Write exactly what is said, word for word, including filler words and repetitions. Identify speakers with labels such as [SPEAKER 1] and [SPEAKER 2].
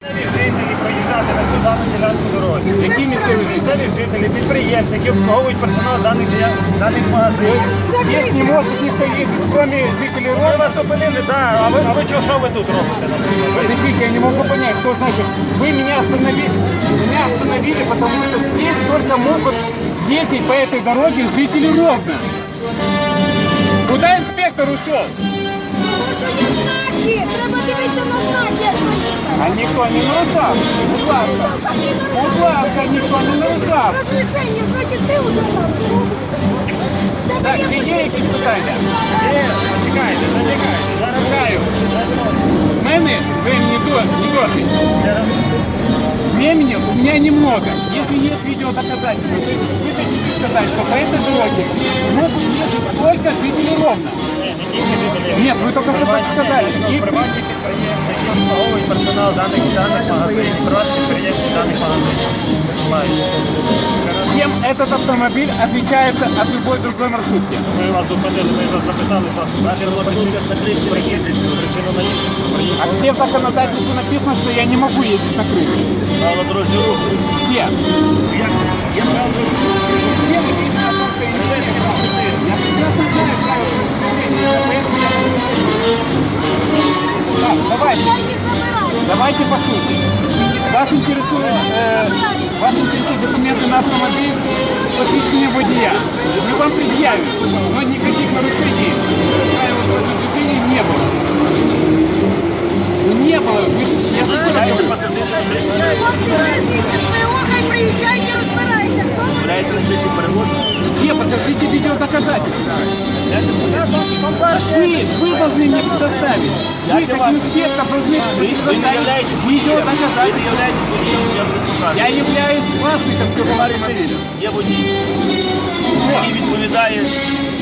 [SPEAKER 1] Жителі проїжджати на цю дану ділянку дороги.
[SPEAKER 2] Які місцеві жителі?
[SPEAKER 1] Місцеві жителі, підприємці, які обслуговують персонал даних, даних магазинів.
[SPEAKER 2] Здесь не может никто ездить, кроме жителей
[SPEAKER 1] Ми
[SPEAKER 2] Ровно.
[SPEAKER 1] вас зупинили, да, а ви, а ви чого, що ви тут робите, наприклад?
[SPEAKER 2] Подождите, я не могу понять, что значит. Вы меня остановили, меня остановили, потому что здесь только могут ездить по этой дороге жители Ровно. Куда инспектор ушел?
[SPEAKER 3] Тому що є знаки, треба дивитися на знаки, що їхати.
[SPEAKER 2] А никто не нарушал. Будь ласка. Будь ласка, никто не нарушал.
[SPEAKER 3] Розрішення, значить ти вже там.
[SPEAKER 2] Так, ще є якісь питання?
[SPEAKER 1] Є, почекайте, зачекайте, зараз
[SPEAKER 2] Чекаю. В мене времени до, не досить. Времени у меня немного. Если есть видеодоказательства, то есть вы хотите сказать, что по этой дороге могут ездить только жители Ровно.
[SPEAKER 1] Ні, не тільки жителі.
[SPEAKER 2] Нет, вы только что так сказали. И
[SPEAKER 1] Приватні підприємці, які обслуговують персонал даних даних магазинів, приватні підприємці даних магазинів. Мають.
[SPEAKER 2] чем этот автомобиль отличается от любой другой маршрутки?
[SPEAKER 1] Ми вас зупинили, ми вас запитали, вас причину на криші приїздить, причину наїздить,
[SPEAKER 2] А где в законодательстве написано, что я не могу ездить на крыше?
[SPEAKER 1] правила дорожнього руху.
[SPEAKER 2] Где?
[SPEAKER 1] Як, як правило,
[SPEAKER 2] Где написано о том, что я не могу? Я прекрасно знаю правила движения, поэтому я... Так, давайте,
[SPEAKER 3] Я їх забираю.
[SPEAKER 2] давайте по сути. Вас интересует, э, вас интересуют документы на автомобиль, посвящение водия. Мы вам предъявим, но никаких нарушений правил дорожного движения не было. Ну, не было. Вы, я же что
[SPEAKER 1] Дайте
[SPEAKER 2] говорю?
[SPEAKER 1] посадити на криші.
[SPEAKER 3] Хлопці, ви звідти з ПО, хай приїжджають і розбираються. Хто вони?
[SPEAKER 1] Дайте на криші переводу.
[SPEAKER 2] Где? Покажите видеодоказательства. Вы, вы должны мне предоставить. Вы, как инспектор, должны
[SPEAKER 1] Ви, ви не
[SPEAKER 2] предоставить
[SPEAKER 1] являєтесь водієм. Ви не
[SPEAKER 2] видеодоказательства.
[SPEAKER 1] являєтесь водієм, я вже покажу.
[SPEAKER 2] Я являюсь властником цього автомобиля.
[SPEAKER 1] Є водій, який відповідає